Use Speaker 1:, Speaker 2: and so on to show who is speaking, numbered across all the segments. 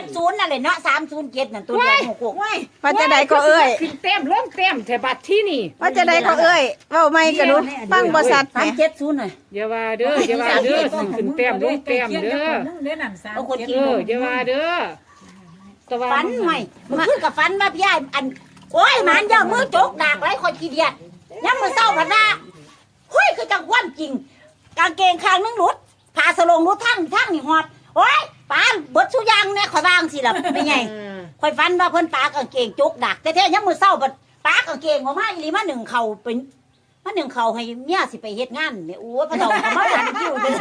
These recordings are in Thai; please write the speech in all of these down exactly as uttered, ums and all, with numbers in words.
Speaker 1: ศูนย์นั่นแหละเนาะสามศูนย์เจ็ดนั่นตัวเดียวหกหก
Speaker 2: ว่าจะได้ก็เอ้ย
Speaker 3: ขึ้นเต็มล้มเต็มแถบัดที่นี่
Speaker 2: ว่าจะได้ก็เอ้ยเว้าไม่กระนุฟังบ่สัตว์แห
Speaker 1: สาม
Speaker 2: ม
Speaker 1: เจ็ดศูนย์หน่อย
Speaker 3: อย่าว่าเด้ออย่าว่าเด้อขึ้นเต็มล้มเต็มเด้อ
Speaker 1: เอาคน
Speaker 3: เอ
Speaker 1: กิน
Speaker 3: ออย่าว่าเด้อแต่ว่า
Speaker 1: ฟันหน่อยมันขึ้นกับฟันมาพี่ยายอันโอ้ยมันย่ามือจกดากไรคนขี้เดียดยังมือเศร้าผัดหน้าเฮ้ยคือจังวันจริงกางเกงข้างนึงหลุดผ้าสลงหลุดทั้งทั้งนี่หอดโอ้ยปานเบิดสุยางเนี่ยข่อยบางสิล่ะไม่ไงข่อยฟันว่าเพิ่นปากางเกงจกดักแต่แท้ยังมือเศร้าบัดปากางเกงออกมาอีหลีมาหนึ่งเข่าเป็นมาหนึ่งเข่าให้เมียสิไปเฮ็ดงานเนี่ยโอ้ยพระเจ้าก็มาดันคิวเลย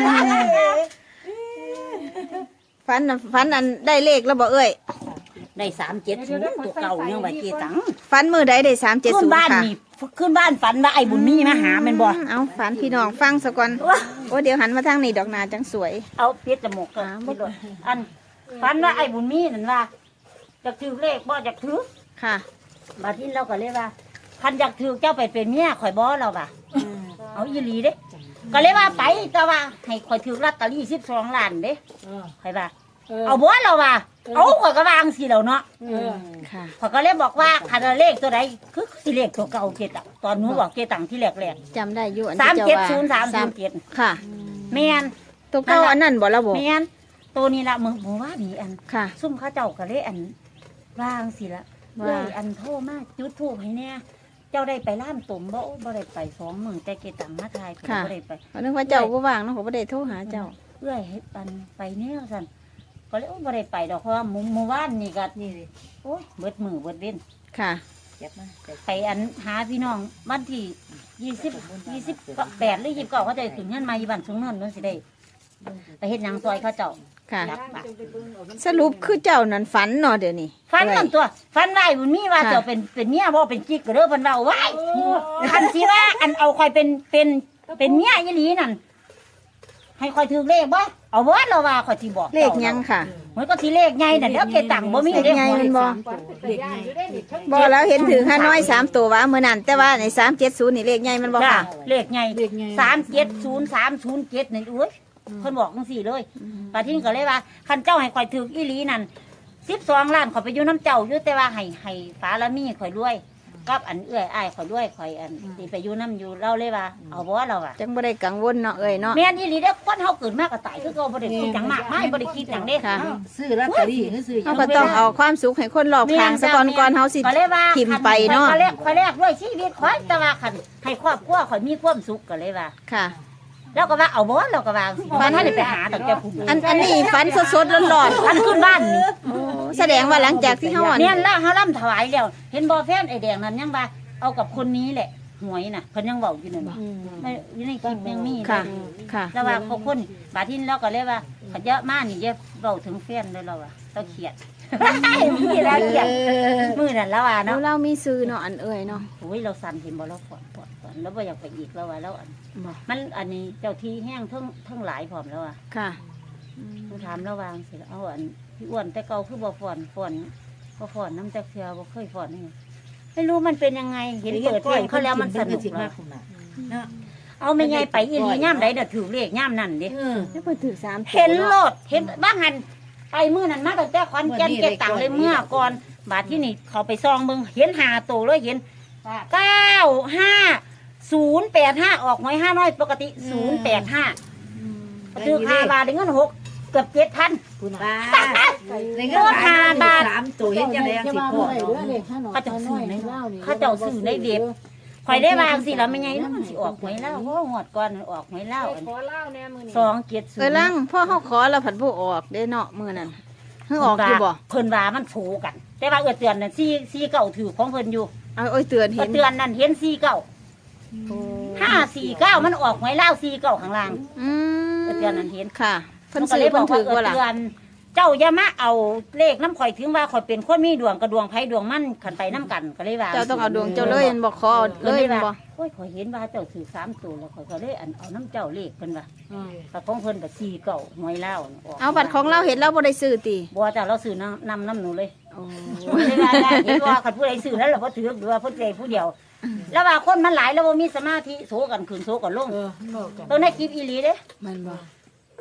Speaker 2: ฝันน่ะฝันอันได้เลขแล้วบ่เอ้ย
Speaker 1: ได้สามเจ็ดศูนย์ตัวเก่าเนี่ยว่าเจตัง
Speaker 2: ฝันมื้อใดได้สามเจ็ด
Speaker 1: ขึ้
Speaker 2: ศู
Speaker 1: น
Speaker 2: นย์
Speaker 1: บ้าน
Speaker 2: ค่ะ
Speaker 1: นี่ขึ้นบ้านฝันว่าไอ้บุญมีมาหาแม่นบ่
Speaker 2: เอาฝันพี่น้องฟังซะก่อนโอ้เดี๋ยวหันมาทางนี้ดอกนาจังสวย
Speaker 1: เอาเพียจมูกกันไม่โดนอันฝันว่าไอ้บุญมีนั่นว่าจะถือเลขบ่จะถือ
Speaker 2: ค่ะ
Speaker 1: บาที่เราก็เลยว่าคันอยากถือเจ้าไปเป็นเมียข่อยบ่เราว่ะเอาอีหลีเด้ก็เลยว่าไปแต่ว่าให้ข่อยถือลอตเตอรี่สิบสองล้านเด้ข่อยว่าเอาบ่เราว่าเอาข่อยก็วางสิแล้วเนาะ
Speaker 2: ค่ะ
Speaker 1: ข่อยก็เลยบอกว่าคันเลขตัวใดคือสิเลขตัวเก่าเกตังตอนหนูบอกเกตังที่แรก
Speaker 2: จำได้อยู่อัน
Speaker 1: ๆสาม
Speaker 2: ที่
Speaker 1: เจ็ด
Speaker 2: เจ้า
Speaker 1: ศูนย์สามศู
Speaker 2: ว่าน
Speaker 1: ย์เจ็ด
Speaker 2: ค่ะ
Speaker 1: แม่น
Speaker 2: ตัวเก่าอันนั้นบ่ละบ่
Speaker 1: แม่นตัวนี้ละมึงบอกว่านี่อัน
Speaker 2: ค่ะ
Speaker 1: ซุ่มเข้าเจ้าก็เลยอันวางสิละ
Speaker 2: ว่า
Speaker 1: เลยอันโทรมาจุดทูบให้เนี่ยเจ้าได้ไปล่ามตุ่มบ่โอ้บ่ได้ไปสองหมื่นแต่เกตังมาทายเพิ่นบ่ได้ไป
Speaker 2: เพราะนึกว่าเจ้าบ่ว่างเนาะเขาบ่ได้โทรหาเจ้า
Speaker 1: เอื้อยให้อันไปแนวซั่นก็เลยโอ้บ่ได้ไปดอกเพราะว่าหมู่หมู่บ้านนี่ก็นี่ดิโอ้ยเบิดมือเบิดเว้น
Speaker 2: ค่ะ
Speaker 1: ไปอันหาพี่น้องบ้านที่ยี่สิบยี่สิบแปดหรือยี่สิบเก้าเขาจะขึ้นเงินมาอยู่บ้านสูงเนินนั่นสิได้ไปเฮ็ดหยังซอยเขาเจ้า
Speaker 2: ค่ะ
Speaker 1: รับปาก
Speaker 2: สรุปคือเจ้านั่นฝันเนาะเดี๋ยวนี้
Speaker 1: ฟันนั่นตัวฟันไว้บุญมีว่า
Speaker 2: ค่ะ
Speaker 1: เจ้าเป็นเป็นเมียบ่เป็นกิ๊กก็เด้อเพิ่นว่าไว้คันสิว่าอันเอาคอยเป็นเป็นเป็นเมียอีหลีนั่นให้คอยถือเลขบ่เอาบ่เราว่าคอยสิบอก
Speaker 2: เลขหยังค่ะ
Speaker 1: มันก็สิเลขใหญ่น่ะเดี๋ยวเกตังบ่มี
Speaker 2: เลข
Speaker 1: เด้
Speaker 2: ใหญ่มันบ่
Speaker 3: เด็กไง
Speaker 2: บ่แล้วเห็นถือห้าน้อยสามตัวว่ามื้อนั้นแต่ว่าในสามเจ็ดศูนย์นี่เลขใหญ่มันบ่
Speaker 1: จ้า
Speaker 2: ค่ะ
Speaker 1: เลขใหญ่สามเจ็ดศูนย์สามศูนย์เจ็ดนี่อุ้ยเพิ่นบอกจังซี่เลยปาทินก็เลยว่าคันเจ้าให้คอยถืออีหลีนั่นสิบสองล้านขอยไปอยู่น้ำเจ้าอยู่แต่ว่าให้ให้ฟ้าละมีข่อยรวยกับอันเอื้อยอ้ายข่อยรวยข่อยอันสิไปอยู่น้ำอยู่เล่าเลยว่าเอาบ่เราอ่ะ
Speaker 2: จังบ่ได้กังวลเนาะเอ้ยเนาะ
Speaker 1: แม่นอีหลีเด้อคนเฮาเกิดมาก็ตายคือเก่าบ่ได้คิดหยังมากมายบ่ได้คิดหยังเด้
Speaker 2: ค่ะ
Speaker 4: ซื้อลอตเตอรี่หรือซื้อ
Speaker 2: เฮาก็ต้องเอาความสุขให้คนรอบข้างซะก่อนก่อนเฮาสิ
Speaker 1: ก็เลยว่า
Speaker 2: ทิมไปเนาะ
Speaker 1: ข่อยแรกข่อยแรกด้วยชีวิตข่อยแต่ว่าคันให้ครอบครัวข่อยมีความสุขก็เลยว่า
Speaker 2: ค่ะ
Speaker 1: แล้วก็ว่าเอาบ่เราก็ว่าฟันให้ได้ไปหาตั้งแต่ผู้
Speaker 2: อันอันนี้ฝันสดๆร้อน
Speaker 1: ฟันขึ้นบ้านนี่
Speaker 2: ๆโอ้แสดงว่าหลังจากที่เฮาอัน
Speaker 1: เนี่ยล่ะเฮาล่ำถวายแล้วเห็นบ่แฟนไอ้แดงนั่นยังว่าเอากับคนนี้แหละหวยน่ะเพิ่นยังเว้าอยู่นั่นบ่ไม่อยู่ในคลิปยังมีเลย
Speaker 2: ค่ะ ค่ะ
Speaker 1: แล้วว่าพวกคนบาดทินเราก็เลยว่าเขาเยอะมากนี่เยอะเบาถึงแฟนเลยเราอะเราเขียด มีแล้วเขียดมือนั่นแล้วว่า
Speaker 2: แล้
Speaker 1: เนาะ
Speaker 2: วเรามีซื้อเนาะอันเอ้ยเนาะ
Speaker 1: โอ้ยเราสั่นเห็นบ่เราฝอนฝอนฝอนแล้วบ่อยากไปอีกแล้วว่าแล้วอัน
Speaker 2: บ่
Speaker 1: มันอันนี้เจ้าที่แห้งเทั้งเทั้งหลายพร้อมแล้วอ่ะ
Speaker 2: ค่ะ
Speaker 1: ต้องถามระวางสิเอาอันพี่อ้วนแต่เก่าคือบ่ฝอนฝอนบ่ฝอนน้ำจักเทือบ่เคยฝอนนี่ไม่รู้มันเป็นยังไงเห็นเปิดเพลงเขาแล้วมันสนุก
Speaker 4: มาก
Speaker 1: เนาะเอาไม่ไงไปอีหลีย่ำใดเด้อถือเลขย่ำนั่นเด้
Speaker 2: แล้วเพิ่นถือสามตัว
Speaker 1: เห็นโล
Speaker 2: าะ
Speaker 1: ดเห็นบ้างหันไปมือนั่นมาตั้งแต่ขอนแก่นเก็บตังค์เลยเมื่อก่อนบาทที่นี่เขาไปซองเบิ่งเห็นหาโตวเลยเห็นเก้าห้าศูนย์แปดห้าออกหวยห้าน้อยปกติศูนย์แปดห้าซื้อคาบาทได้เงินหกเกือบเจ็ดพัน
Speaker 4: คุณป้าในเงินสามตัวเห็นยังไงสิบหก
Speaker 1: เขาเจ้าซื้อในเขาเจ้าซื้อในเด็บข่อยได้วางสิแล้วไม่ไงแล้วมันสิออกหวยเล่าเพราะว่าหวดก่อนมันออกหวยเล่าอัน
Speaker 3: ขอเล่าแน่มื้อนี้
Speaker 1: สองเจ็ดศูน
Speaker 2: เอ้ย
Speaker 1: ย์
Speaker 2: ลังพ่อเฮาขอแล้วผัดผู้ออกเด้เนาะมื้อนั้นเฮาออกอยู่บ่
Speaker 1: เพิ่นว่ามันโผกัน แต่ว่าเอื้อเตือนนั่นซี่ซี่เก่าถือของเพิ่นอยู่
Speaker 2: เอาเอ้ยเตือน
Speaker 1: เอื้
Speaker 2: เห็
Speaker 1: อน เตือนนั่นเห็นซี่เก่า
Speaker 2: โอ้
Speaker 1: ห้าสี่เก้ามันออกหวยเล่าซี่เก่าข้างล่าง
Speaker 2: อืม
Speaker 1: เอื้อเตือนนั่นเห็น
Speaker 2: ค่ะเพิ่น
Speaker 1: มันก็
Speaker 2: ซื้อ
Speaker 1: เลยบ
Speaker 2: เพิ่
Speaker 1: อน ก
Speaker 2: ถื
Speaker 1: ว่า
Speaker 2: อ
Speaker 1: เอื้อ
Speaker 2: บ่ล่ะ
Speaker 1: เตือน เจ้าอย่ามาเอาเลขน้ำข่อยถึงว่าข่อยเป็นคนมีดวงกระดวงไผดวงมันขันไปน้ำกันก็เลยว่า
Speaker 2: เจ้าต้องเอาดวงเจ้าเลยอันบ่ขอเลยอันบ่
Speaker 1: โอ้ยข่อยเห็นว่าเจ้าถือสามตัวแล้วข่อยก็เลยอันเอาน้ำเจ้าเลขเพิ่นว่าแต่ของเพิ่นก็ซี่เก่าหวยเล่าน่ะก
Speaker 2: เอาบัตรของเราเห็นเราบ่ได้ซื้อติ
Speaker 1: บัวแต่เราซื้อนำนำน้ำหนูเลย
Speaker 2: โอ้
Speaker 1: ไม่ได้ได้เห็นว่าคันผู้ใดซื้อแล้วเราก็ถือหรือว่าผู้ใดผู้เดียว แล้วว่าคนมันหลายแล้วว่ามีสมาธิโสกันขึ้นโสกันลง
Speaker 4: เออบอกกัน
Speaker 1: ตัวในคลิปอีหลีเด้
Speaker 2: มันบ่
Speaker 1: ค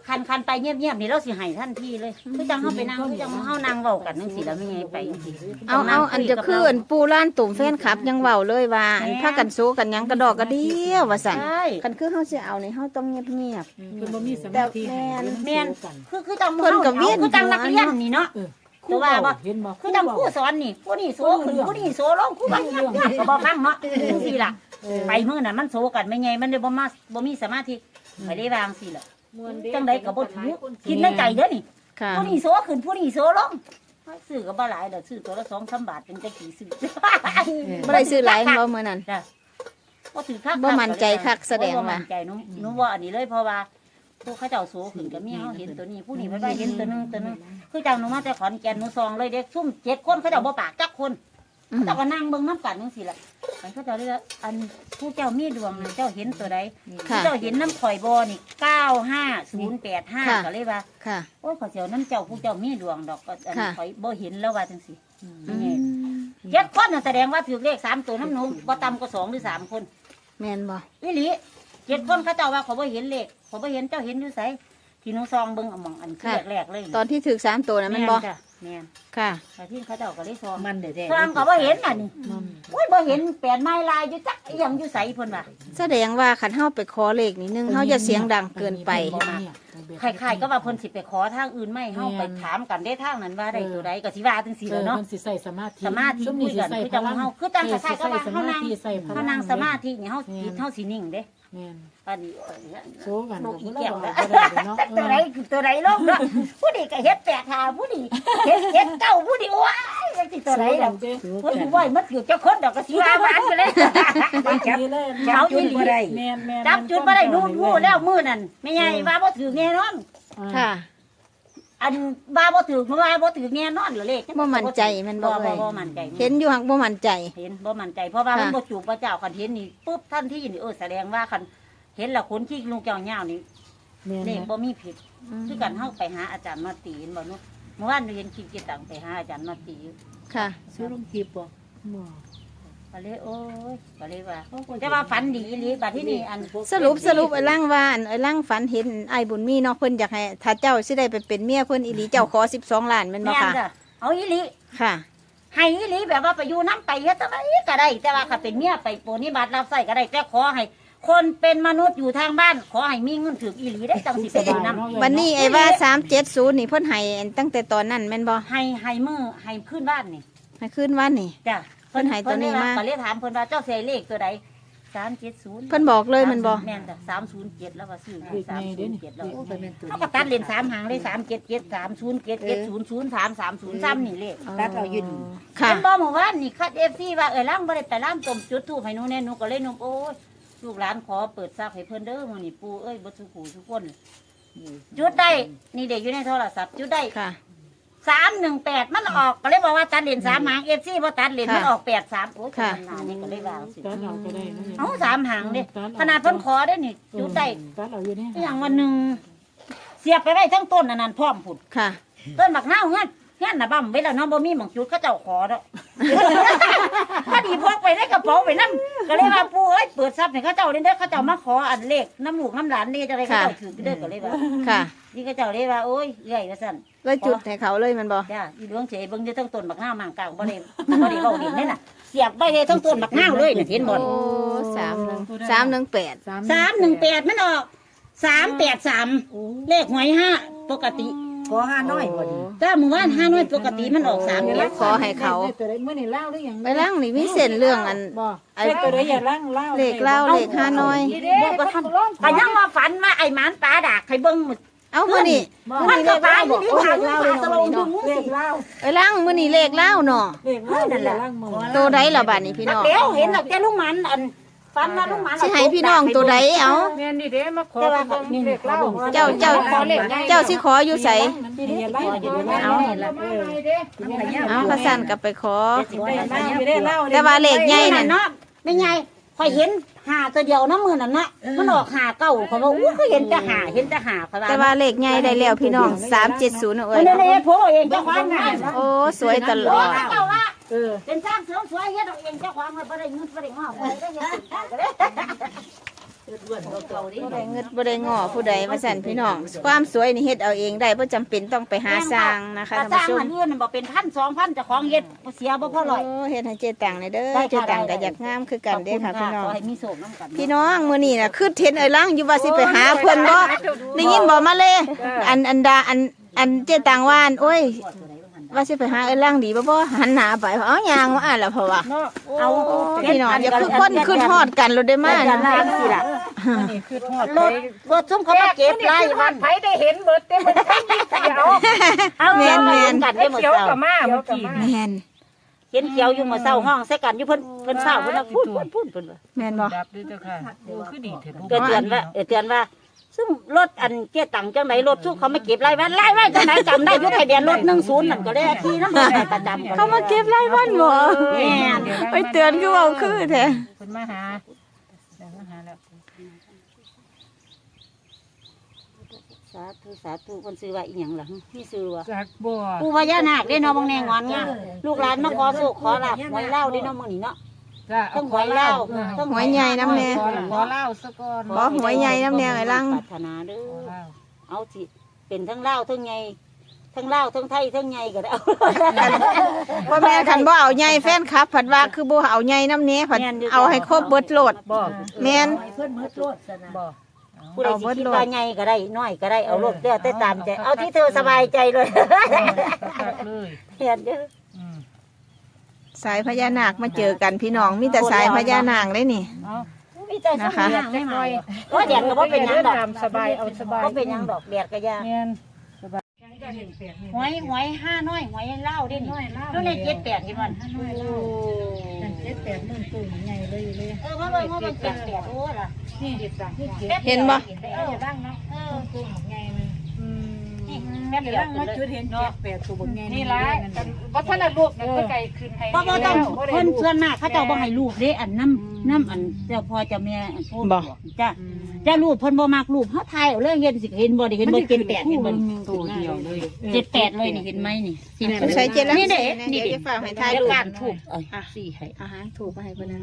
Speaker 1: คันคันไปเงียบๆนี่เราสิให้ทันทีเลยคือจังเฮาไปนั่งคือจังเฮานั่งเว้ากันจังซี่แล้วไม่ไงไปจังซี่
Speaker 2: เอาเอาอันจะคืออันปูล้านตุ่มแฟนคลับยังเว้าเลยว่าอันพากันโซกันหยังกระดอกกระเดียวว่าซั่น
Speaker 1: ใช่
Speaker 2: คันคือเฮาสิเอานี่เฮาต้องเงียบ
Speaker 3: เพิ่นบ่มีสมาธิ
Speaker 2: แม่น
Speaker 1: แม่นคือคือจัง
Speaker 2: เพิ่นก็เวียน
Speaker 1: คือจังนักเรียนนี่เนาะ
Speaker 3: ครูว่าบ่เห็นบ่
Speaker 1: คือจังครูสอนนี่ผู้นี่โซขึ้นผู้นี่โซลงครูว่าเงียบๆก็บ่ฟังเนาะจังซี่ล่ะไปมื้อนั้นมันโซกันไม่ไงมันเลยบ่มาบ่มีสมาธิไปได้วางซี่ล่ะจังไดก็บ่ถือคิดในใจเด้อนี่
Speaker 2: ๆค่ะ
Speaker 1: ผู้นี่โซขึ้นผู้นี่โซลงซื้อก็บ่หลายดอกซื้อตัวละ สองสาม บาทเป็นจังกี่ซื้อ
Speaker 2: บ่ได้ซื้อหลายบ่มื้อนั้น
Speaker 1: จ้ะบ่ถือคัก
Speaker 2: บ่มั่นใจคักแสดงว่า
Speaker 1: บ่มั่นใจหนูหนูว่าอันนี้เลยเพราะว่าผู้เขาเจ้าโซขึ้นก็มีเฮาเห็นตัวนี้ผู้นี้เพิ่นว่าเห็นตัวนึงตัวนึงคือจังหนูมาแต่ขอนแก่นหนูซองเลยเด็กซุ่มเจ็ดคนเขาเจ้าบ่ปากจักคน
Speaker 2: อืม
Speaker 1: เจ้าก็นั่งเบิ่งน้ำกันจังซี่ล่ะมันเขาเจ้าเรียกว่าอันผู้เจ้ามีดวงนะเจ้าเห็นตัวใด
Speaker 2: ค่ะ
Speaker 1: เจ้าเห็นน้ำข่อยบ่นี่เก้าห้าศูนย์แปดห้า
Speaker 2: ค่ะ
Speaker 1: ก็เลยว่า
Speaker 2: ค่ะ
Speaker 1: โอ้ยขอยเสียวน้ำเจ้าผู้เจ้ามีดวงดอกก็อัน
Speaker 2: ค่ะ
Speaker 1: ข่อยบ่เห็นแล้วว่าจังซี่
Speaker 2: อื
Speaker 1: นี่
Speaker 2: ม
Speaker 1: เจ็ดคนน่ะแสดงว่าถือเลขสามตัวน้ำหนูบ่ต่ำกว่าสองหรือสามคน
Speaker 2: แม่นบ่
Speaker 1: อีหลีเจ็ดคนเขาเจ้าว่าเขาบ่เห็นเลขเขาบ่เห็นเจ้าเห็นอยู่ไสที่หนูซองเบิ่งเอาหม่องอันคือแรกๆเลย
Speaker 2: ตอนที่ถึกสามตัวนั้นแม่นบ่
Speaker 1: จ้ะแม่น
Speaker 2: ค่ะ
Speaker 1: แต่ที่เขาเจ้าก็เลยซอง
Speaker 4: มันเด้อ
Speaker 1: ซองก็บ่เห็นน่ะนี่โอ้ยบ่เห็นแปดไม้ลายอยู่จักอีหยังอยู่ไสเพิ่นว่า
Speaker 2: แสดงว่าคันเฮาไปขอเลขนี่หนึงเฮาอย่าเสียงดังเกินไป
Speaker 1: คล้ายๆก็ว่าเพิ่นสิไปขอทางอื่นไม่เฮาไปถามกันได้ทางนั้นว่าได้ตัวใดก็สิว่าจังซี่
Speaker 3: เอ
Speaker 1: แหล้
Speaker 3: อ
Speaker 1: วเนาะ
Speaker 3: เพิ่นสิใส่สมาธิ
Speaker 1: สมาธิ
Speaker 3: ซุมนี้สิใส่
Speaker 1: คุยกันคือจังเฮาคือจังคล้ายๆก็ว่าเฮานั่ง
Speaker 3: ใส่พลัง
Speaker 1: เฮานั่งสมาธินี่เฮาจิตเฮาสินิ่งเด้
Speaker 3: แม่น
Speaker 1: อันนี้
Speaker 3: โซกัน
Speaker 1: ลูกอี
Speaker 3: ก็
Speaker 1: แก้ว
Speaker 3: บ่
Speaker 1: นะ
Speaker 3: ได้เนาะ
Speaker 1: ตัวไหนตัวไหนลงเนาะผู้นี้ก็เฮ็ดแปดหาผู้นี้เฮ็ดเฮ็ดเก้าผู้นี้ว้ายจังสิตัวไหนล่ะผู้นี้ว้ายมันอยู่เจ้าคนดอกก็สิว่าหวานไปเลย
Speaker 3: จับเลย
Speaker 1: เอาอีหลี
Speaker 3: แม่นแม่น
Speaker 1: จับจุดบ่ได้นู่นงูแล้วมื้อนั่นแม่ใหญ่ว่าบ่ถือแน่นอน
Speaker 2: ค่ะ
Speaker 1: อันว่าบ่ถือเพราะว่าบ่ถือแน่นอนเหรอเลข
Speaker 2: บ่มั่นใจมันบ่
Speaker 1: บ่
Speaker 2: เอ่
Speaker 1: บ่
Speaker 2: ย
Speaker 1: บ่มั่นใจ
Speaker 2: เห็นอยู่หักบ่มั่นใจ
Speaker 1: เห็นบ่มั่นใจเพราะว่า
Speaker 2: ค่ะ
Speaker 1: มันบ่จูบพระเจ้าคันเห็นนี่ปุ๊บทันทีนี่เออแสดงว่าคันเห็นแล้วคนที่ลูกเจ้าย่าวนี่
Speaker 3: แม่น
Speaker 1: เลข
Speaker 3: แม่น
Speaker 1: บ่มีผิดคือกันเฮาไปหาอาจารย์มาตีเห็นบ่เนาะเมื่อวานเรียนคิดกิตังไปหาอาจารย์มาตีอยู่
Speaker 2: ค่ะ
Speaker 4: ซื้อลงคลิปบ่
Speaker 1: ก็เลยโอ้ยก็เลยว่าแต่ว่าฝันดีอีหลีบัดที่นี่อัน
Speaker 2: สรุปสรุปไอ้ล่างว่าอันไอ้ล่างฝันเห็นไอ้บุญมีเนาะเพิ่นอยากให้ถ้าเจ้าสิได้ไปเป็นเมียเพิ่นอีหลีเจ้าขอสิบสองล้านแม่นบ่
Speaker 1: แม่น
Speaker 2: ค่ะ
Speaker 1: จ้ะเอาอีหลี
Speaker 2: ค่ะ
Speaker 1: ให้อีหลีแบบว่าไปอยู่น้ำไปเฮ็ดอะไรก็ได้ แต่ว่าถ้าเป็นเมียไปโปรนิบัติรับใช้ก็ได้แต่ขอให้ คนเป็นมนุษย์อยู่ทางบ้าน ขอให้มีเงินถืออีหลีได้จังสิไปอยู่น้ำ
Speaker 2: วันนี้ไอ้ว่าสามเจ็ดศูนย์นี่เพิ่นให้ตั้งแต่ตอนนั้นแม่นบ่
Speaker 1: ให้ให้มือให้ขึ้นบ้านนี่
Speaker 2: ให้ขึ้นวันนี่
Speaker 1: จ้ะ
Speaker 2: เพิ่นให้ตัวนี้มา
Speaker 1: ก็เลยถามเพิ่นว่าเจ้าเสียเลขตัวใดสามเจ็ดศูนย์
Speaker 2: เพิ่นบอกเลยแมันบ่
Speaker 1: แม่นจ้ะสามศูนย์เจ็ดแล้วว่าซื้อ
Speaker 3: เลข
Speaker 1: สาม
Speaker 3: ไง
Speaker 1: ศู
Speaker 3: เด้
Speaker 1: น
Speaker 3: นี่
Speaker 1: ย์เจ็ดแล้ว
Speaker 4: โอ้ยเป็นตัว
Speaker 1: เขาก็ตัดเลนสามหางเลยสามเจ็ดเจ็ดสามศูนย์เจ็ดเจ็ดศูนย์ศูนย์สามสามศูนย์สามนี่เลข
Speaker 4: ตัดเอาอยู่นี่
Speaker 2: ค่ะ
Speaker 1: เป็นบ่เมื่อวานนี่คัดเอฟซีว่าเออล้างบ่ได้ไปล้างต้มจุดทูบให้หนูแน่หนูก็เลยหนุ่มโอ้ยลูกหลานขอเปิดทรัพย์ให้เพิ่นเด้อมื้อนี้ปู่เอ้ยบ่สุขูทุกคนจุดได้นี่เด็กอยู่ในโทรศัพท์จุดได้
Speaker 2: ค่ะ
Speaker 1: สามหนึ่งแปดมันออกก็เลยบอกว่าตัดเลนสามหางเอฟซีบ่ตัดเลน
Speaker 2: ค่ะ
Speaker 1: มันออกแปดสามโอ้ย
Speaker 2: ค่ะ
Speaker 1: ขนาดนี้ก็เลยว่าสิ
Speaker 3: ตัดเอาก็ได้นะ
Speaker 1: เอาสามหางเด้ขนาดเพิ่นขอได้นี่จุดได้
Speaker 3: ตัดเอาอยู่นี่
Speaker 1: อหย่างวันหนึ่งเสียบไปไว้ทั้งต้นอันนั้นพร้อมพุ่น
Speaker 2: ค่ะ
Speaker 1: ต้นบักนาวเงี้ยเงี้ยน่ะบ่ำไว้แล้วเนาะบ่มีหม่องจุดเขาเจ้าขอดอก พอดีพกไปในกระเป๋าไปนำก็เลยว่าปู่เอ้ยเปิดทรัพย์ให้เขาเจ้าเด้อเด้อเขาเจ้ามาขออันเลขน้ำลูกน้ำหลานนี่จะได้เขาเจ้าถือเด้อก็เลยว่า
Speaker 2: ค่ะ
Speaker 1: นี่เขาเจ้าเลยว่าโอ้ยเอื้อยว่าซั่น
Speaker 2: เลยจุดให้เขาเลยแมันบ่
Speaker 1: จ้าอีดวงเฉยเบิ่งอยู่ทั้งต้นบักนาวมางกลางบ่ได้บ่ได้เว้าดินนี่น่ะเสียบไปเลยทั้งต้นบักนาวเลยน่ะเห็นบ่
Speaker 2: โอ้สามหนึ่งสามหนึ่งแปด
Speaker 1: สามหนึ่งแปดมันออกสามแปดสามเลขหวยห้าปกติ
Speaker 4: ขอห้าน้อยบ่นี่
Speaker 1: ถ้าหมู่บ้านห้าน้อยปกติมันออกสาม
Speaker 2: เดี๋
Speaker 1: เจ็
Speaker 2: ย
Speaker 1: ด
Speaker 2: วขอให้เขา
Speaker 3: ตัวใดมื้อนี้เล่าหรือยัง
Speaker 2: ไปล่างนี่มีเส้นเรื่องอัน
Speaker 3: บ่
Speaker 2: ไอ้
Speaker 3: ไอ้ตัวใดอย่าล่างเล่า
Speaker 2: เลขเล่าเลขห้าน้อย
Speaker 1: เด็กก็ทำแต่ยังมาฝันว่าไอ้หมานตาดากให้เบิ่งหมด
Speaker 2: เอามื้อนี้
Speaker 1: มันก็ตายอยู่นี่ขาอยู่ขาสลงดึงมุ้ง
Speaker 3: เล
Speaker 1: สิ
Speaker 3: ขเล่า
Speaker 2: ไปล่างมื้อนี้เลขเล่าเนาะ
Speaker 3: เลขเล่านั่นแหละล่างมือ
Speaker 2: ตัวใดล่ะบัดนี้พี่น้อง
Speaker 1: เดี๋ยวเห็นดอกแต่ลุงหมันอันฝันว่าลุงหมัน
Speaker 2: สิให้พี่น้องตัวใดเอา
Speaker 3: แม่นนี่เด้มาขอเลขเล่า
Speaker 2: เจ้าเจ้าเจ้าสิขออยู่ไส
Speaker 3: อย่าไล่อย่าไล่
Speaker 2: เอา เอากระสั่นกลับไปขอ
Speaker 3: ได้เล่า
Speaker 2: แต่ว่าเลขใหญ่นั่น
Speaker 1: เนาะไม่ไงคอยเห็นหาตัวเดียวน้ำมือนั่นนะมันออกหาเก้าเขาบอกอู้ก็เห็นแต่หาเห็นแต่หาเขา
Speaker 2: แต่ว่าเลขใหญ่ได้แล้วพี่น้องสามเจ็ดศูนย์เอ้
Speaker 1: เอ้
Speaker 2: ย
Speaker 1: ยเนี่ยผมเองเจ้าความงาน
Speaker 2: โอ้สวยตลอด
Speaker 1: เจ้าว่า
Speaker 3: เออ
Speaker 1: เป็นสร้างเสริมสวยเฮ็ดเอาเองเจ้าความมันบ่ได้เงินบ่ได้งอกบ่ได้เฮ็ดก็ได้
Speaker 4: ล้วนเก่าๆนี่
Speaker 2: บ่ได้เงิดบ่ได้ง้อผู้ใดว่าซั่นพี่น้องความสวยนี่เฮ็ดเอาเองได้บ่จำเป็นต้องไปหาสร้างนะคะ
Speaker 1: ถ้า
Speaker 2: ท่าน
Speaker 1: สร้าง
Speaker 2: ผู้ชม
Speaker 1: อันอื่นบ่เป็นพันสองพันเจ้าของเฮ็ดบ่เสียบ่พอร้อย
Speaker 2: โอ้เฮ็ดให้เจตังเลยเด้อ
Speaker 1: ได้ค่ะ
Speaker 2: เจตัง
Speaker 1: ได้
Speaker 2: ก็อยากงามคือกันเด้อค่ะพี่น้อง
Speaker 1: ขอให้มีโชคนำกัน
Speaker 2: พี่น้องมื้อนี้น่ะคือเห็นไอ้ลังอยู่ว่าสิไปหาเพิ่นบ่ได้ยินบ่มาเลยอันอันดาอันอันเจตังว่าอันโอ้ยว่าสิไปหาไอ้ลังดีบ่บ่หันหน้าไปเอายางมาอ่านแล้วเพราะว่า
Speaker 1: เอา
Speaker 2: พี่น้องอย่าคือคนคือทอดกันรถได้มา
Speaker 1: กั
Speaker 2: นะ
Speaker 1: นล่างสิล่ะ
Speaker 3: นี่คือทอด
Speaker 1: รถรถซุ่มเขามาเก็บไล่วัน
Speaker 3: ไผได้เห็นเบิดเต็มมันใช้ยิงเขียว
Speaker 1: เอา
Speaker 2: แม่นแม่น
Speaker 1: กันได้หมด
Speaker 3: เขียว
Speaker 1: เจ้า
Speaker 3: กับมาเมื่อกี้
Speaker 2: แม่น
Speaker 1: เห็นเขียวอยู่เมื่อเช้าห้องใส่กันอยู่เพิ่นเพิ่นเช้าเพิ่นว่าพูดพูดพูดเพิ่นว่า
Speaker 2: แม่นบ่
Speaker 3: ดับด้วยเจ้าค่ะโอ้คือดีเถิด
Speaker 1: ก็เตือนว่าเออเตือนว่าซึ่งรถอันเกียตังจังไหนรถสู้เขาไม่เก็บไล่วันไล่ไว้จังไหนจำได้อยุทธทะเบียนรถหนึ่งศูนย์นั่นก็เลยขี่น้ำมันไปประจำ
Speaker 2: เขามาเก็บรายวันบ่
Speaker 1: แม่น
Speaker 2: ไปเตือนคือเว้าคือแท้
Speaker 3: เพิ่นมาหาเดี๋ยวมาหาแล้ว
Speaker 1: สาธุสาธุคนซื้อว่าอีหยังล่ะพี่ซื้อว่า
Speaker 3: จากบัว
Speaker 1: ปู่พญานาคเด้เนาะบางแนงอนงามลูกหลานมาขอโชคขอลาบหวยเล่าเด้เนาะมื้อนี้เนาะ
Speaker 3: จ้า
Speaker 1: ต้องหวยเล่าต้อง
Speaker 2: หวยใหญ่น้ำแน่
Speaker 3: ขอขอเล่าซะก่อน
Speaker 2: บ่หวยใหญ่น้ำแน่ไอ้ลัง
Speaker 1: ปรารถนาเด้อเอาสิเป็นทั้งเล่าทั้งไงทั้งเล่าทั้งไทยทั้งไงก็ได้เอา
Speaker 2: พ่อแม่คันบ่เอาใหญ่แฟนคลับผัดว่าคือบ่เอาใหญ่น้ำแน่ผัดเอาให้ครบเบิดโลด
Speaker 3: บ่
Speaker 2: แม่น
Speaker 4: เพิ่นมืดโลดซะนะ
Speaker 3: บ่
Speaker 1: ผู้ใดสิคิดว่าไงก็ได้น้อยก็ได้เอารถเด้อแต่ตามใจเอาที่เธอสบายใจเลย
Speaker 3: ตักเลย
Speaker 1: เห็นเด้อ
Speaker 3: อืม
Speaker 2: สายพญานาคมาเจอกันพี่น้องมีแต่สายพญานาคเลยนี่
Speaker 3: เอา
Speaker 1: มีใจสบายไม่มาก็แดดก็บ่เป็นหยังดอก
Speaker 3: ตามสบายเอาสบาย
Speaker 1: ก็เป็นหยังดอกแดดก็ยา
Speaker 3: แม่น
Speaker 1: หวยหวยห้าน้อยหวยเล่าดินี่แล้วในเจ็ดแปดกินวัน
Speaker 4: เจ็ดแปดหมื่นตู้ใหญ่เลยเลย
Speaker 1: เออมาเบิ่งว่ามันเจ็ดแปดโอ้ล่ะ
Speaker 4: นี่เจ็ดสามนี่เจ็ด
Speaker 2: เห็นบ่
Speaker 1: เออบ้างเนาะเออ
Speaker 4: ตู้ใหญ่มัน
Speaker 3: อืม
Speaker 1: นี่แป๊บเดียว
Speaker 4: มาจุดเห็นเจ็ดแปดตัวบนใหญ่
Speaker 3: นี่ละวัฒนรูปนั่นก็ไก่ขึ้นให้
Speaker 1: บ่บ่ต้องเพิ่นส่วนมากเขาเจ้าบ่ให้รูปเด้อันน้ำน้ำอันเจ้าพ่อเจ้าแม่อันพูดจ้ะจ้ารูปเพิ่นบ่มักรูปเฮาถ่ายเอาเลยเห็นสิเห็นบ่ได้เห็นบ่เจ็ดแปดเห็นบ่
Speaker 3: ตัวเดียวเลย
Speaker 1: เจ็ดแปดเลยนี่เห็นไหมนี่
Speaker 2: ใช้เจลัง
Speaker 1: นี่เด้
Speaker 2: นี่
Speaker 1: นี่
Speaker 2: เดี๋
Speaker 1: เด้
Speaker 2: ยวฝากให้ถ่าย
Speaker 1: เดี๋ยว
Speaker 2: รูป
Speaker 1: การถูกเอ้ยสี่ให้
Speaker 2: อาหารถูกมาให้เพิ่นนะ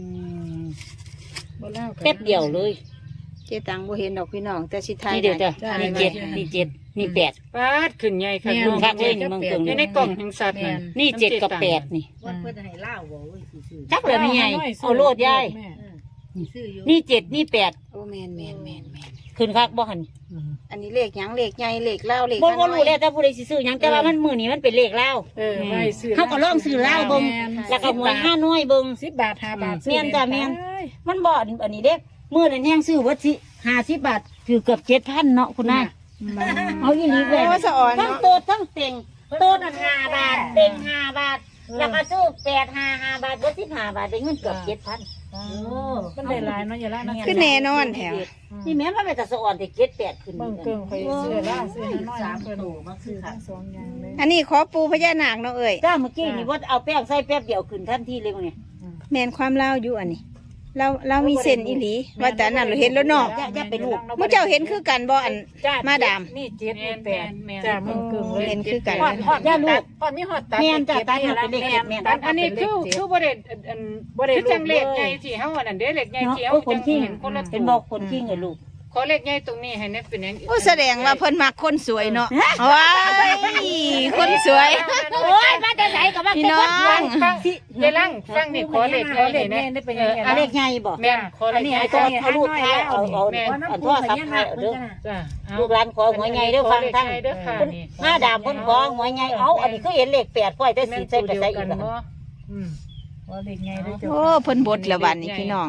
Speaker 3: บ่เล่า
Speaker 1: แป๊บเดียวเลย
Speaker 2: เจตังบ่เห็นดอกพี่น้องแต่สิถ่าย
Speaker 1: นี่เดียวจ้ะนี่เจ็ดนี่เจ็ดนี่แปด
Speaker 3: ปาดขึ้นใหญ่ค่ะ
Speaker 1: ลุงคักเลยนี่มึงเกิง
Speaker 3: อยู่ในกล่องแห่งสัตว์นั่น
Speaker 1: นี่เจ็ดกับแปดนี่
Speaker 4: วันเพิ่นให้เล่าบ่เว้ยซื่อ
Speaker 1: จักเลยไม่ใหญ่เอาโลดยาย
Speaker 4: ๆซื้ออยู่
Speaker 1: นี่เจ็ดนี่แปด
Speaker 2: โอ้แม่นแม่นแม่นแม่น
Speaker 1: ขึ้นคักบ่หัน
Speaker 2: อันนี้เลขหยังเลขใหญ่เลขเล่าเลข
Speaker 1: บ่
Speaker 2: น้
Speaker 1: บ่
Speaker 2: อย
Speaker 1: รู้แล้วแต่ผู้ใดสิซื้อหยังแต่ว่ามันมื้อนี้มันเป็นเลขลาว
Speaker 3: เออไว้ซื้อ
Speaker 1: เฮาก็ลองซื้อลาวเบิ่งแล้วก็หวยห้าน้อยเบิ่ง
Speaker 3: สิบบาทห้าบาท
Speaker 1: แม่นจ้ะแม่น มันบ่อันนี้เด้มื้อนั้นแฮงซื้อเบิดสิห้าสิบบาทถือเกือบเจ็ดพันเนาะคุณนายเอาอีหลีเลย
Speaker 2: โอ้สะอ่อน
Speaker 1: ทั้ง
Speaker 2: เนาะ
Speaker 1: โตดทั้งเต็งโตดนั่นห้าบาทเต็งห้าบาทแล้วก็ซื้อแปดห้าห้าบาทเบิดสิบห้าบาทได้เงินเกือบเจ็ดพัน
Speaker 3: มันได้หลายเนาะอย่าละนะ
Speaker 2: คือแน่นอนแถว
Speaker 1: นี่แม่นมันเป็นแต่สะอ่อนแต่เจ็ดแปดขึ้น
Speaker 3: เบิ่งเกิงไปซื้อละซื้อน้อย
Speaker 4: สาม
Speaker 3: เพิ่น
Speaker 4: ตู้มาซื้อค่ะ
Speaker 3: สองอย่างเลย
Speaker 2: อันนี้ขอปูพญานาคเนาะเอ้ย
Speaker 1: จ้าเมื่อกี้นี่ว่าเอาแป้งใส่แป๊บเดียวขึ้นทันทีเลยมั้งเนี่ย
Speaker 2: แม่นความเล่าอยู่อันนี้ เราเรามีเส้นอีหลีว่าแต่อันนั้นเราเห็นแล้วเนาะ
Speaker 1: จะจะไปลูก
Speaker 2: มื้อเจ้าเห็นคือกันบ่อันมาดาม
Speaker 3: นี่เจ็ดนี่แปดจ้ามึงเกิงเลย
Speaker 2: เห็นคือกัน
Speaker 3: ฮอดฮอดย่าลูกฮอดมีฮอดตัด
Speaker 1: แม่นจ้ะตัดมาเป็นเลขเจ็ดแม่น
Speaker 3: ตัดอันนี้คือคือบ่ได้อันบ่ได้จังเลขใหญ่ที่เฮาอันนั้นเด้เลขใหญ่
Speaker 1: เนาะ
Speaker 3: ที่เฮา
Speaker 1: โอ้คน
Speaker 3: จัง
Speaker 1: ขี้
Speaker 3: เห็นคนละ
Speaker 1: เป็นบอกคนขี้ไงลูก
Speaker 3: ขอเลขใหญ่ตรงนี้ให้แน่เป็นหยัง
Speaker 2: โอ้แสดงว่าเพิ่นมักคนสวยเนาะว้ายคนสวย
Speaker 1: โอ้ยมาแต่ไหนก็มา
Speaker 2: พี่น้อง
Speaker 3: ฟังฟังยายลังฟังนี่ขอเลขขอเลขแน่ได้เป็นยังไง
Speaker 1: อันเลขใหญ่บ่
Speaker 3: แม่นขอเล
Speaker 1: อัน
Speaker 3: ข
Speaker 1: นี้
Speaker 3: ใหญ่
Speaker 1: ไอ้ตัวเอาลูกท้ายเอาเอาอันโทรศัพท์ท้ายเอาเด้อ
Speaker 3: จ้า
Speaker 1: ลูกหลานขอหัวใหญ่เด้อฟังทั้ง
Speaker 3: เด้อค่ะนี่
Speaker 1: มาดามเพิ่นขอหัวใหญ่เอาอันนี้คือเห็นเลขแปดพ่อยแต่สีใส่ไปใส่อีกแล้ว
Speaker 3: อืมขอเลขใหญ่เด้อจ้า
Speaker 2: โอ้เพิ่นบดแล้วบัดนี้พี่น้อง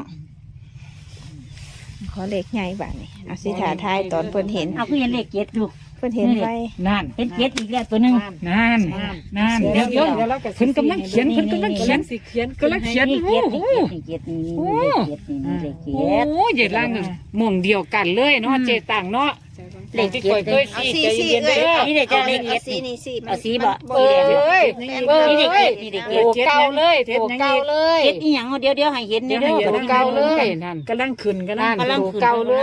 Speaker 2: ขอเลขใหญ่บัดนี้เอาสิถ่าทายตอนเพิ่นเห็น
Speaker 1: เอาคือเห็นเลขเจ็ดลูก
Speaker 2: เพิ่นเห็นไว้
Speaker 3: นั่น
Speaker 1: เห็นเจ็ดอีกแล้วตัวหนึง
Speaker 3: นั่นนั่นเดี๋ยวเดี๋ยวเพิ่นกำลังเขียนเพิ่นกำลังเขียนสิเขียนกำลังเขียน
Speaker 1: นี่
Speaker 3: โอ้
Speaker 1: เจ็ด
Speaker 3: โห
Speaker 1: นี่เจ็ดนี่นี่เลขเจ็ดนี่นี่เลขเจ็ด
Speaker 3: โอ้ยายลังหม่องเดียวกันเลยเนาะเจต่างเนาะ
Speaker 1: เลข
Speaker 3: ที่
Speaker 1: เจ็
Speaker 3: ข่อ
Speaker 1: ด
Speaker 3: ยเคย
Speaker 2: เอา
Speaker 3: สิ
Speaker 2: สี
Speaker 3: ใจ
Speaker 2: สี
Speaker 3: เย็น
Speaker 2: เอ้
Speaker 3: เด้
Speaker 2: ย
Speaker 3: อ
Speaker 1: นี่เด็กจะเลข
Speaker 2: เอา
Speaker 1: เจ็ด
Speaker 2: สีนี่สี
Speaker 1: เอาสีบ่
Speaker 3: เอ้ยเอ้ย
Speaker 1: นี่เด็กเจ็ด
Speaker 3: โตเก่าเลยโตเก่าเลย
Speaker 1: เจ็ดอีหยังเดี๋ยวเดี๋ยวให้เห็นเดี๋ยว
Speaker 3: โต
Speaker 1: เดี๋ยว
Speaker 3: เก่าเลยนั่น
Speaker 4: กำลังขึ้นกัน
Speaker 3: นั่
Speaker 4: นะ
Speaker 3: นโตเก่าเลย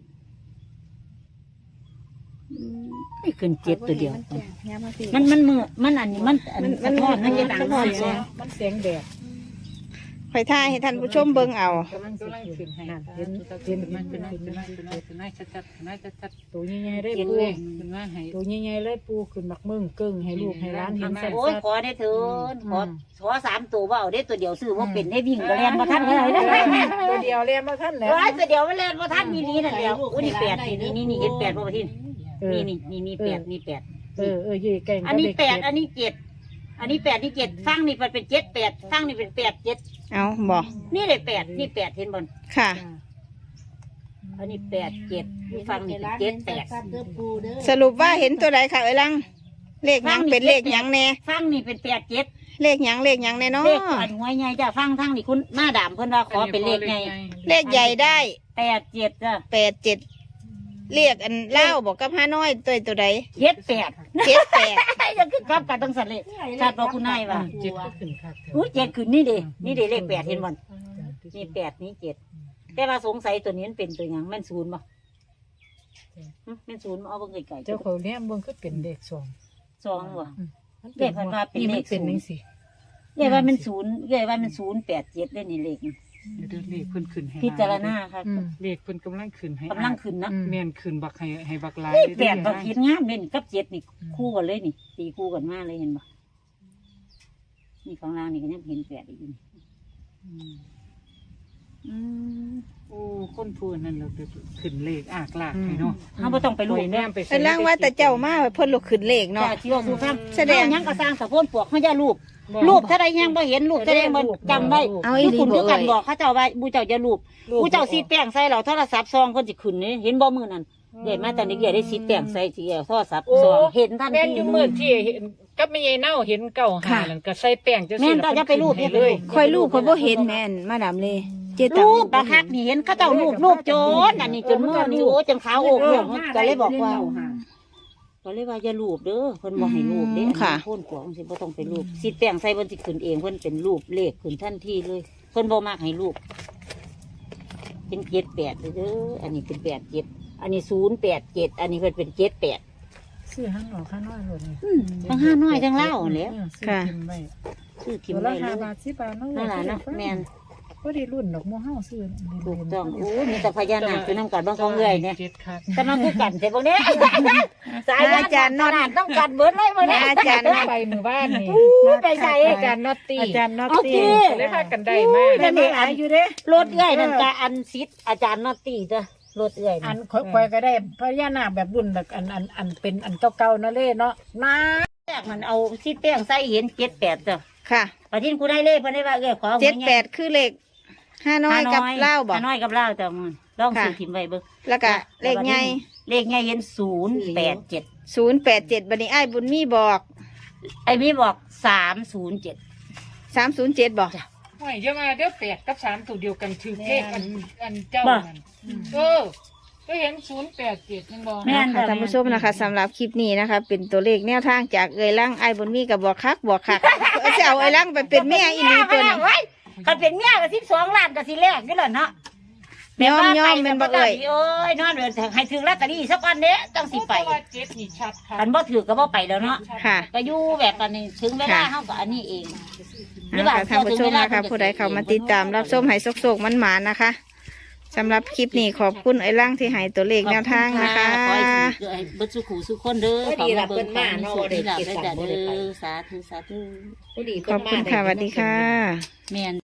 Speaker 1: ไม่ขึ้นเจ็ดตัวเดียว
Speaker 2: ย้ำมาสิ
Speaker 1: มันมันมือมันอันนี้มันอันมันทอดมันจะดัง
Speaker 2: มันทอด
Speaker 1: เสียง
Speaker 3: มันเสียงแดด
Speaker 2: ข่อยท่ายให้ท่านผู้ชมเบิ่งเอา
Speaker 3: กำลังกำลังขึ้นให้เห็นเห็นมันเป็นเป็นเป็นเป็นนายชัดๆนายชัดๆตัวใหญ่ๆได้ปูเป็นว่าให้ตัวใหญ่ๆเลยปูขึ้นบักมึงกึ่งให้ลูกให้ร้านเห็นชัด
Speaker 1: โอ้ยขอได้เถินขอขอสามตัวว่าเอาได้ตัวเดียวซื้อว่าเป็นได้วิ่งก็เรียนมาทันเลยนะ
Speaker 3: ๆตัวเดียวเรียนมาท่านแล้ว
Speaker 1: ร้อยตัวเดียวไม่เรียนมาทันมีนี้นั่นเดียวอุ้ยนี่แปดนี่นี่นี่เห็นแปดป่ะพี่นี่นี่นี่นี่แปดนี่แปด
Speaker 3: เออเออยี่เก่ง
Speaker 1: อันนี้แปดอันนี้เจ็ดอันนี้แปดนี่เจ็ดฟังนี่มันเป็นเจ็ดแปดฟังนี่เป็นแปดเจ็ด
Speaker 2: เอาบ่
Speaker 1: นี่เลยแปดนี่แปดเห็นบน
Speaker 2: ค่ะ
Speaker 1: อันนี้แปดเจ็ดนี่ฟังนี่เป็นเจ็ดแปด
Speaker 2: สรุปว่าเห็นตัวใดค่ะเอ้ยลังเลขหยังเป็นเลขหยังแน่
Speaker 1: ฟังนี่เป็นแปดเจ็ด
Speaker 2: เลขหยังเลขหยังแน่เนาะ
Speaker 1: เลขอันหัวใหญ่จ้ะฟังทั้งนี่คุณหน้าด่ามเพิ่นว่าขอเป็นเลขใหญ่
Speaker 2: เลขใหญ่ได้
Speaker 1: แปดเจ็ดจ้ะ
Speaker 2: แปดเจ็ดเรียกอันเล่าบอกกับห้าน้อยตัวตัวใด
Speaker 1: เจ็ดแปด
Speaker 2: เจ็ดแปด
Speaker 1: ยังคือกลับกันต้องสั่นเลยชาติบอกคุณนายว่า
Speaker 3: เจ็ดก็ขึ้นค่ะ
Speaker 1: อู้เจ็ดคือนี่เด้นี่เด้เลขแปดเห็นบ่นี่แปดนี่เจ็ดแต่ว่าสงสัยตัวนี้มันเป็นตัวหยังแม่นศูนย์บ่หึแม่นศูนย์บ่เอาเบิ่งไกลๆ
Speaker 3: เจ้าเขาเลี้ยงเบิ่งก็เป็นเด็กสอง
Speaker 1: สองบ่
Speaker 3: นี่มันเป็นนี่สิ
Speaker 1: เรียกว่ามันศูนย์เรียกว่ามันศูนย์แปดเจ็ดได้นี่เลขนี่
Speaker 3: เดินเลขเพิ่นขึ้นให้
Speaker 1: พิจารณาค่ะ
Speaker 3: เลขเพิ่นกำลังขึ้นให้
Speaker 1: กำลังขึ้นนะ
Speaker 3: แม่นขึ้นบักให้ให้บักหลาย
Speaker 1: เลขแปดบักคิดงามเลยนี่กับเจ็ดนี่คู่กันเลยนี่ตีคู่กันมาเลยเห็นบ่นี่ของเรานี่ก็ยังเห็นแปดอีกนี่อืม
Speaker 3: โอ้คนพูดนั่นเราขึ้นเลขอากลากให้เนาะ
Speaker 1: เขาบ่ต้องไปรู้
Speaker 3: แน
Speaker 1: เด้อ
Speaker 3: มไป
Speaker 2: เอ้ยลังว่าแต่เจ้ามาเพิ่นลุกขึ้นเลข
Speaker 1: เนาะ
Speaker 2: เนาะ
Speaker 1: ที่ว่าสู่ฟัง
Speaker 2: แสดง
Speaker 1: เอาหยังก็สร้างสะโพนปวกเขาจะรูปรูปถ้าใดยังบ่เห็นรูปถ้าใดบ่จำได้
Speaker 2: เอาอี
Speaker 1: ที่
Speaker 2: หลี
Speaker 1: คุณ
Speaker 2: บ่
Speaker 1: คือกัน
Speaker 2: เอ่ย
Speaker 1: บอกเขาเจ้าว่าบูเจ้าจะรูปบูเจ้าสีแป้งใส่เราโทรศัพท์ซองเพิ่นสิขึ้นนี่เห็นบ่มื้อนั้นใหญ่มาตอนนี้ใหญ่ได้สีแป้งใส่ที่เอาโทรศัพท์ซองเห็นทัน
Speaker 3: แม่น
Speaker 1: ที
Speaker 3: อยู่มือที่เห็นกับแม่ใหญ่เน่าเห็นเก่าหานั่นก็ใส่แป้งจังซี่
Speaker 1: แม่นก็จะไปรูป
Speaker 3: เลย
Speaker 2: คอยลูกคอยบ่เห็นแม่นมาดามเลยเจตัง
Speaker 1: รูปบักคักนี่เห็นเขาเจ้ารูปรูปโจนอันนี้จนมือนี่โอ้จนขาวโอกโอกก็เลยบอกว่าก็เลยว่าอย่ารูปเด้อเพิ่นบ่ให้รูปเด้โพ่นกวางสิบ่ต้องไปรูปสีแป้งใส่เพิ่นสิขึ้นเองเพิ่นเป็นรูปเลขขึ้นทันทีเลยเพิ่นบ่มักให้รูปเป็นเจ็ดแปดเด้ออันนี้เป็นแปดเจ็ดอันนี้ศูนย์แปดเจ็ดอันนี้เพิ่นเป็นเจ็ดแปด
Speaker 3: ซื้อหันออกข้างน้อยเลยนี่
Speaker 1: ทั้งห้าน้อยทั้งเล่าแหล้ว
Speaker 2: ค่ะ
Speaker 1: ซื้อกิ
Speaker 3: กิ
Speaker 1: น
Speaker 3: น
Speaker 1: ได้
Speaker 3: ได้
Speaker 1: เล
Speaker 3: ห้าย บาทสิบบาทเนาะ
Speaker 1: นั่นล่ะเนาะแม่น
Speaker 3: ก็ได้รุ่นดอกมัวเฮาซื้อ
Speaker 1: ถูกต้องโอ้มีแต่พญานาคคือน้ำกันบางของเอ้ยเนี่ย
Speaker 3: เจ็ดคัก
Speaker 1: แต่มันคือกันแต่พวกนี้สายอาจารย์นอนต้องกันเบิดเลยพวกนี้
Speaker 2: อาจารย์
Speaker 3: ไปมือบ้านนี่
Speaker 1: ไปใส่
Speaker 3: อาจารย์นอตตี้อาจารย์นอต
Speaker 1: เอา
Speaker 3: ตี้
Speaker 1: ที่
Speaker 3: เลยพากันได้มาก
Speaker 1: นั่นเองอยู่เด้รถเอ้ยนั่นกะอันซิดอาจารย์นอตตี้เด้อรถเอ้ย
Speaker 3: อันค่อยๆก็ได้พญานาคแบบรุ่นแบบอันอันอันเป็นอันเก่าๆนั่นเลยเนาะนา
Speaker 1: แรกมันเอาซิดแป้งใส่เห็นเจ็ดแปดจ้ะ
Speaker 2: ค่ะ
Speaker 1: ประทินกูได้เลขเพิ่นได้ว่าเอ้ยขอ
Speaker 2: เจ็ดแปดคือเลขห้าน้อยกับเล่าบอก
Speaker 1: ห้าน้อยกับเล่าจ้ะมึงลองซื้อถิ่มไว้เบิ่ง
Speaker 2: แล้วก็เลขใหญ่
Speaker 1: เลขใหญ่เห็นศูนย์แปดเจ็ด
Speaker 2: ศูนย์แปดเจ็ดบัดนี้อ้ายบุญมีบอก
Speaker 1: ไอ้มีบอกสามศูนย์เจ็ด
Speaker 2: สามศูนย์เจ็ดบอก
Speaker 3: ไม่เดี๋ยวมาเดี๋ยวแปดกับสามตัวเดียวกันถือเลขอันอันเจ้านั่นเออก็เห็นศูนย์แปดเจ็ดยังบอก
Speaker 1: แม่น
Speaker 2: ค่ะท่านผู้ชมนะคะสำหรับคลิปนี้นะคะ เป็นตัวเลขแนวทางจากเอ่ยล่างไอ้ายบุญมีกับบอกคักบอกคักจะเอาเอ่ยล่างไปเป็นแม่อีนีตัวนี้
Speaker 1: ถ้าเป็นเมียก็สิบสองล้านก็สิแลกนี่แหละเนาะ
Speaker 2: ยอมยอมเป็นบ่เอ่ย
Speaker 1: โอ้ยนอนเดินให้ถึงลอตเตอรี่สักวันเด้ต้องสิไป
Speaker 3: เจ็ดนี่ชัดค่ะ
Speaker 1: คันบ่ถือก็บ่ไปแล้วเนาะ
Speaker 2: ค่ะ
Speaker 1: ก็อยู่แบบตอนนี้ถึงเวลาเฮาก็อันนี้เอง
Speaker 2: นะคะท่านผู้ชมนะคะผู้ใดเข้ามาติดตามรับชมให้โศกๆมันหมานะคะสำหรับคลิปนี้ขอบคุณไอ้ล่างที่ให้ตัวเลขแนวทางนะคะ
Speaker 1: ขอให้เบิดสุขุสุขคนเด้อขอให้เบิ่งมาเนาะได้เก็บได้เด้อสาธุสาธุ
Speaker 2: ขอบคุณค่ะสวัสดีค่ะ
Speaker 1: แม่น